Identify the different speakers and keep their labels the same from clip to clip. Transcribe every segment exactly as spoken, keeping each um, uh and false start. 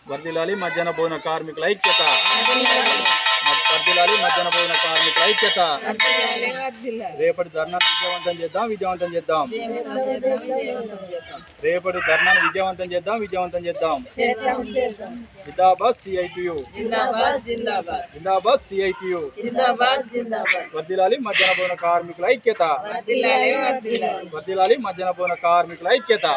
Speaker 1: వర్ధిల్లాలి మధ్యాహ్న భోజన కార్మికుల ఐక్యత. వర్ధిల్లాలి మధ్యాహ్న భోజన కార్మికుల ఐక్యత. రేపటి ధర్నాను విజయవంతం చేద్దాం విజయవంతం చేద్దాం రేపటి ధర్నాను విజయవంతం చేద్దాం విజయవంతం చేద్దాం జిందాబాద్ సిఐటియు జిందాబాద్ సిఐటియు. వర్ధిల్లాలి మధ్యాహ్న భోజన కార్మికుల ఐక్యత. వర్ధిల్లాలి మధ్యాహ్న భోజన కార్మికుల ఐక్యత.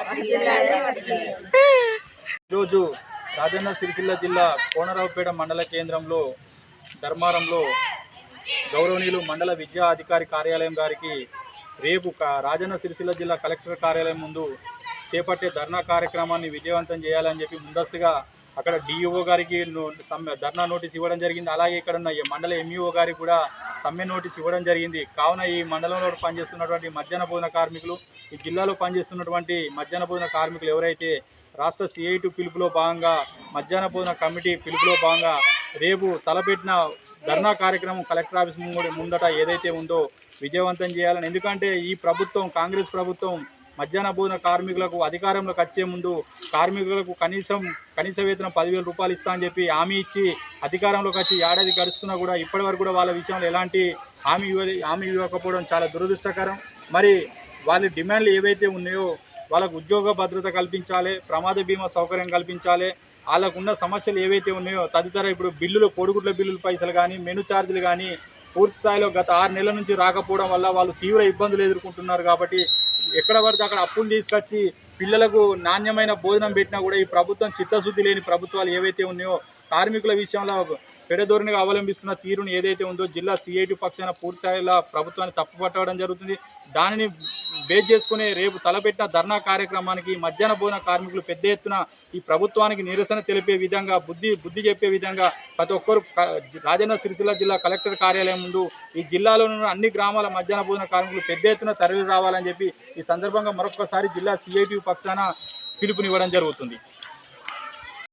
Speaker 1: ఈరోజు రాజన్న సిరిసిల్ల జిల్లా కోనరావుపేట మండల కేంద్రంలో ధర్మారంలో గౌరవనీయులు మండల విద్యా అధికారి కార్యాలయం గారికి రేపు రాజన్న సిరిసిల్ల జిల్లా కలెక్టర్ కార్యాలయం ముందు చేపట్టే ధర్నా కార్యక్రమాన్ని విజయవంతం చేయాలని చెప్పి ముందస్తుగా అక్కడ డిఈఓ గారికి సమ్మె ధర్నా నోటీస్ ఇవ్వడం జరిగింది. అలాగే ఇక్కడ ఉన్న మండల ఎంఈఓ గారికి కూడా సమ్మె నోటీస్ ఇవ్వడం జరిగింది. కావున ఈ మండలంలో పనిచేస్తున్నటువంటి మధ్యాహ్న భోజన కార్మికులు, ఈ జిల్లాలో పనిచేస్తున్నటువంటి మధ్యాహ్న భోజన కార్మికులు ఎవరైతే రాష్ట్ర సిఐటి పిలుపులో భాగంగా మధ్యాహ్న భోజన కమిటీ పిలుపులో భాగంగా రేపు తలపెట్టిన ధర్నా కార్యక్రమం కలెక్టర్ ఆఫీస్ ముందట ఏదైతే ఉందో విజయవంతం చేయాలని. ఎందుకంటే ఈ ప్రభుత్వం, కాంగ్రెస్ ప్రభుత్వం మధ్యాహ్న భోజన కార్మికులకు అధికారంలోకి వచ్చే ముందు కార్మికులకు కనీసం కనీస వేతనం పదివేల రూపాయలు ఇస్తా అని చెప్పి హామీ ఇచ్చి అధికారంలోకి వచ్చి ఏడాది గడుస్తున్నా కూడా ఇప్పటి వరకు కూడా వాళ్ళ విషయంలో ఎలాంటి హామీ హామీ ఇవ్వకపోవడం చాలా దురదృష్టకరం. మరి వాళ్ళ డిమాండ్లు ఏవైతే ఉన్నాయో వాళ్ళకు ఉద్యోగ భద్రత కల్పించాలి, ప్రమాద బీమా సౌకర్యం కల్పించాలి, వాళ్ళకున్న సమస్యలు ఏవైతే ఉన్నాయో తదితర ఇప్పుడు బిల్లులు, కోడిగుడ్ల బిల్లుల పైసలు కానీ, మెను ఛార్జీలు కానీ పూర్తి స్థాయిలో గత ఆరు నెలల నుంచి రాకపోవడం వల్ల వాళ్ళు తీవ్ర ఇబ్బందులు ఎదుర్కొంటున్నారు. కాబట్టి ఎక్కడ పడితే అక్కడ అప్పులు తీసుకొచ్చి పిల్లలకు నాణ్యమైన భోజనం పెట్టినా కూడా ఈ ప్రభుత్వం చిత్తశుద్ధి లేని ప్రభుత్వాలు ఏవైతే ఉన్నాయో కార్మికుల విషయంలో పెడధోరణిగా అవలంబిస్తున్న తీరును ఏదైతే ఉందో జిల్లా సిఐటి పక్షాన పూర్తిస్థాయిలో ప్రభుత్వాన్ని తప్పుపట్టడం జరుగుతుంది. దానిని బేస్ చేసుకుని రేపు తలపెట్టిన ధర్నా కార్యక్రమానికి మధ్యాహ్న భోజన కార్మికులు పెద్ద ఎత్తున ఈ ప్రభుత్వానికి నిరసన తెలిపే విధంగా, బుద్ధి బుద్ధి చెప్పే విధంగా ప్రతి ఒక్కరు రాజన్న సిరిసిల్ల జిల్లా కలెక్టర్ కార్యాలయం ముందు ఈ జిల్లాలో ఉన్న అన్ని గ్రామాల మధ్యాహ్న భోజన కార్మికులు పెద్ద ఎత్తున తరలి రావాలని చెప్పి ఈ సందర్భంగా మరొకసారి జిల్లా సిఐటి పక్షాన పిలుపునివ్వడం జరుగుతుంది.